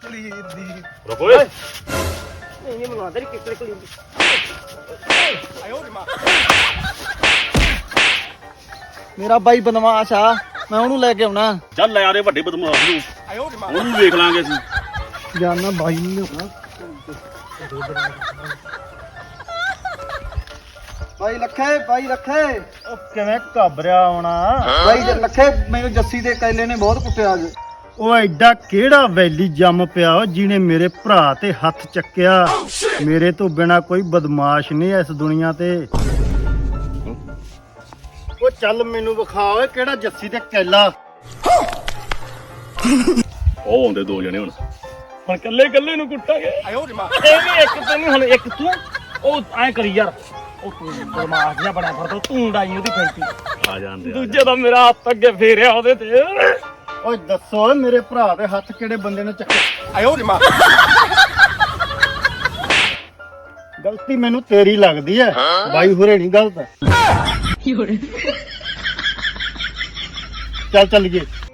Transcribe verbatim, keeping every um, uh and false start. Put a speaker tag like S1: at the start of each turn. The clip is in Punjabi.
S1: ਕਲੀਰ ਦੀ
S2: ਰੁਕ ਓਏ
S3: ਨਹੀਂ ਨਹੀਂ ਮਨਵਾ ਦੇ ਕਿੱਕਲੇ ਕਲੀ
S1: ਆਇਓ ਮਾਂ ਮੇਰਾ ਬਾਈ ਬਦਮਾਸ਼ ਆ ਮੈਂ ਉਹਨੂੰ ਲੈ ਕੇ ਆਉਣਾ
S2: ਚੱਲ ਲੈ ਆਰੇ ਵੱਡੇ ਬਦਮਾਸ਼ ਨੂੰ
S1: ਆਇਓ ਮਾਂ
S2: ਉਹਨੂੰ ਵੇਖ ਲਾਂਗੇ ਅਸੀਂ
S1: ਜਾਨਾ ਬਾਈ ਨਹੀਂ ਹੋਣਾ ਬਾਈ ਲੱਖੇ ਬਾਈ ਲੱਖੇ
S4: ਉਹ ਕਿਵੇਂ ਘਬਰਿਆ ਆਉਣਾ
S1: ਬਾਈ ਜੇ ਲੱਖੇ ਮੈਨੂੰ ਜੱਸੀ ਦੇ ਕੈਲੇ ਨੇ ਬਹੁਤ ਕੁੱਟਿਆ ਅੱਜ
S4: ਉਹ ਐਡਾ ਕਿਹੜਾ ਵੈਲੀ ਜੰਮ ਪਿਆ ਉਹ ਜਿਹਨੇ ਮੇਰੇ ਭਰਾ ਤੇ ਹੱਥ ਚੱਕਿਆ ਮੇਰੇ ਤੋਂ ਬਿਨਾ ਕੋਈ ਬਦਮਾਸ਼ ਨਹੀਂ ਇਸ ਦੁਨੀਆ ਤੇ ਉਹ ਚੱਲ ਮੈਨੂੰ ਵਿਖਾ ਓਏ ਕਿਹੜਾ ਜੱਸੀ ਤੇ ਕੈਲਾ
S2: ਉਹ ਆਉਂਦੇ ਦੋ ਜਣੇ ਹੁਣ ਹੁਣ ਕੱਲੇ ਕੱਲੇ ਨੂੰ ਕੁੱਟਾਂਗੇ
S1: ਆਇਓ ਮਾਂ
S3: ਇਹ ਵੀ ਇੱਕ ਤੈਨੂੰ ਹੁਣ ਇੱਕ ਤੂੰ ਉਹ ਐ ਕਰੀ ਯਾਰ ਉਹ ਤੂੰ ਬਦਮਾਸ਼ ਜਿਹਾ ਬੜਾ ਫਰਦਾ ਤੂੰ ਡਾਈ ਉਹਦੀ ਫੈਂਟੀ
S2: ਆ ਜਾਂਦੇ
S3: ਦੂਜੇ ਦਾ ਮੇਰਾ ਹੱਥ ਅੱਗੇ ਫੇਰਿਆ ਉਹਦੇ ਤੇ
S4: ਓਏ ਦੱਸੋ ਓਏ ਮੇਰੇ ਭਰਾ ਦੇ ਹੱਥ ਕਿਹੜੇ ਬੰਦੇ ਨੇ ਚੱਕੇ
S1: ਆਇਓ ਮਾਂ
S4: ਗਲਤੀ ਮੈਨੂੰ ਤੇਰੀ ਲੱਗਦੀ ਐ ਬਾਈ ਹੁਰੇ ਨਹੀਂ ਗਲਤ ਚੱਲ ਚੱਲੀਏ